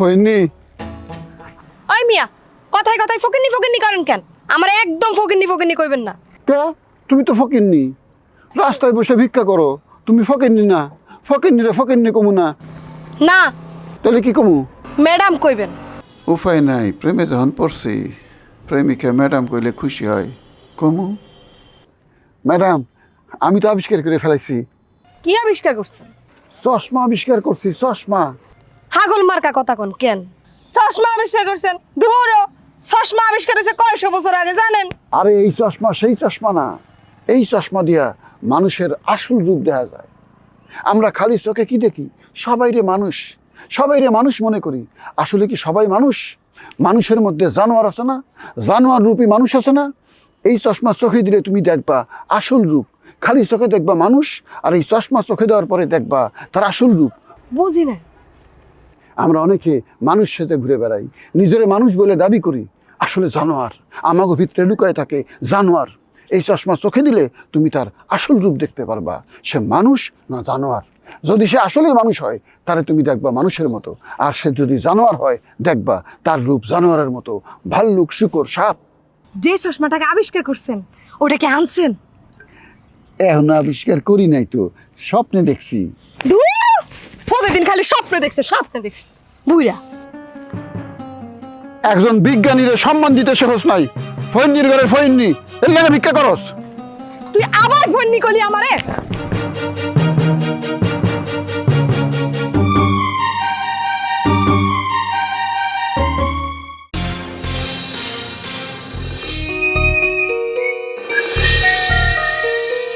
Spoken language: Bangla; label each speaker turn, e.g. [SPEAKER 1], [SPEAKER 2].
[SPEAKER 1] ফইনি
[SPEAKER 2] ওই মিয়া কথায় কথায় ফকিন্নি ফকিন্নি করেন কেন? আমার একদম ফকিন্নি ফকিন্নি কইবেন না।
[SPEAKER 1] কে? তুমি তো ফকিরনি, রাস্তায় বসে ভিক্ষা করো, তুমি ফকিরনি না? ফকিরনি রে ফকিরনি কমু না?
[SPEAKER 2] না,
[SPEAKER 1] তাহলে কি কমু?
[SPEAKER 2] ম্যাডাম কইবেন।
[SPEAKER 3] উপায় নাই, প্রেমে যখন পড়ছি প্রেমিকা ম্যাডাম কইলে খুশি হয়, কমু।
[SPEAKER 1] ম্যাডাম, আমি তো আবিষ্কার করে ফেলাইছি,
[SPEAKER 2] কি আবিষ্কার করছেন?
[SPEAKER 1] চশমা আবিষ্কার করছি, চশমা।
[SPEAKER 2] হাগল মার্কা কথা কোন কেন? চশমা আবিষ্কার করছেন? ধুরো, চশমা আবিষ্কার হয়েছে কয়শো বছর আগে জানেন?
[SPEAKER 1] আরে এই চশমা সেই চশমা না, এই চশমা দিয়া মানুষের আসল রূপ দেখা যায়। আমরা খালি চোখে কি দেখি? সবাইরে মানুষ, সবাইরে মানুষ মনে করি। আসলে কি সবাই মানুষ? মানুষের মধ্যে জানোয়ার আছে না? জানোয়ার রূপী মানুষ আছে না? এই চশমা চোখে দিলে তুমি দেখবা আসল রূপ। খালি চোখে দেখবা মানুষ, আর এই চশমা চোখে দেওয়ার পরে দেখবা তার আসল রূপ।
[SPEAKER 2] বুঝি না।
[SPEAKER 1] আমরা অনেকে মানুষ সাথে ঘুরে বেড়াই, নিজের মানুষ বলে দাবি করি, আসলে জানোয়ার। আমাগো ভিতরে লুকায় থাকে জানোয়ার। এই চশমা চোখে দিলে তুমি তার আসল রূপ দেখতে পারবা, সে মানুষ না জানোয়ার। যদি সে আসলেই মানুষ হয় তাহলে তুমি দেখবা মানুষের মতো, আর সে যদি জানোয়ার হয় দেখবা তার রূপ জানোয়ারের মতো, ভাল্লুক, শূকর, সাপ।
[SPEAKER 2] যে চশমাটাকে আবিষ্কার করছেন ওটাকে আনছেন?
[SPEAKER 1] এখন আবিষ্কার করি নাই তো, স্বপ্নে দেখছি।
[SPEAKER 2] প্রতিদিন খালি স্বপ্ন দেখছে, স্বপ্ন দেখছে বুইরা।
[SPEAKER 1] একজন বিজ্ঞানীরে সম্মান দিতে শেখস নাই, ফৈন্নির ঘরের ফৈন্নি, এর লাগে ভিক্ষা করস।
[SPEAKER 2] তুই আবার ফোন নিকলি আমারে?